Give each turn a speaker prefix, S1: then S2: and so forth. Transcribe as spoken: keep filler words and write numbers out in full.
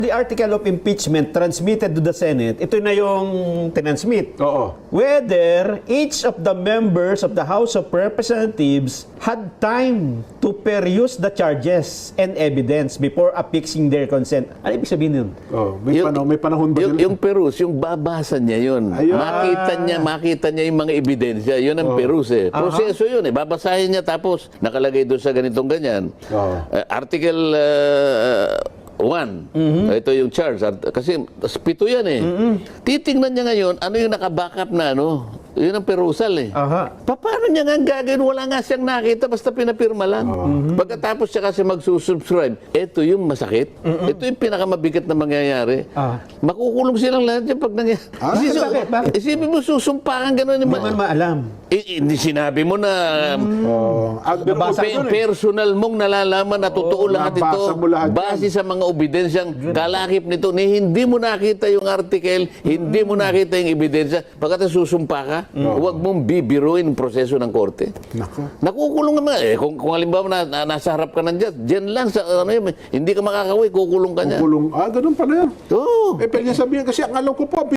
S1: The article of impeachment transmitted to the Senate, ito na yung tinansmit.
S2: Oo.
S1: Whether each of the members of the House of Representatives had time to peruse the charges and evidence before affixing their consent. Ano ibig sabihin yun?
S2: Oh, may,
S3: Yung-
S2: panahon, may panahon ba
S3: Yung,
S2: sila?
S3: yung perus, yung babasa niya yun.
S2: Ayun.
S3: Makita niya, makita niya yung mga ebidensya. Yun ang perus eh. Proseso yun eh. Babasahin niya tapos nakalagay doon sa ganitong ganyan.
S2: Oo.
S3: Uh, article uh, one. Ito yung charge. Art- Kasi pito yan eh. Titingnan niya ngayon, ano yung nakabackup na ano. Yun ang perusal eh.
S1: Aha.
S3: Pa- Paano niya nga gagawin? Wala nga siyang nakita, basta pinapirma lang. Pagkatapos siya kasi magsusubscribe, ito yung masakit. Ito yung pinakamabigat na mangyayari.
S1: Ah.
S3: Makukulong silang lahat yan pag nangyayari.
S2: Ah,
S3: Isipin-
S1: bakit? Bakit?
S3: Isipin mo, susumpakan gano'n.
S1: Hindi man maalam.
S3: Hindi sinabi mo na
S2: Oh, ah, pero
S1: Nabasa
S3: pe-
S1: ko eh.
S3: personal mong nalalaman na totoo lahat ito.
S2: nabasa mo lahat yan.
S3: Base sa mga ebidensyang kalakip nito, ni hindi mo nakita yung article, hindi mo nakita yung ebidensya, pagkatapos susumpa ka, huwag mong bibiruin ang proseso ng korte.
S2: Nako.
S3: Nakukulong naman. Eh, kung, kung halimbawa na, na, nasa harap ka ng judge, dyan lang, sa, ano yun, hindi ka makakaway, kukulong ka niya.
S2: Kulong. Ah, ganun pala yan.
S3: Oo.
S2: Eh, pwede sabihin kasi ang alam ko po,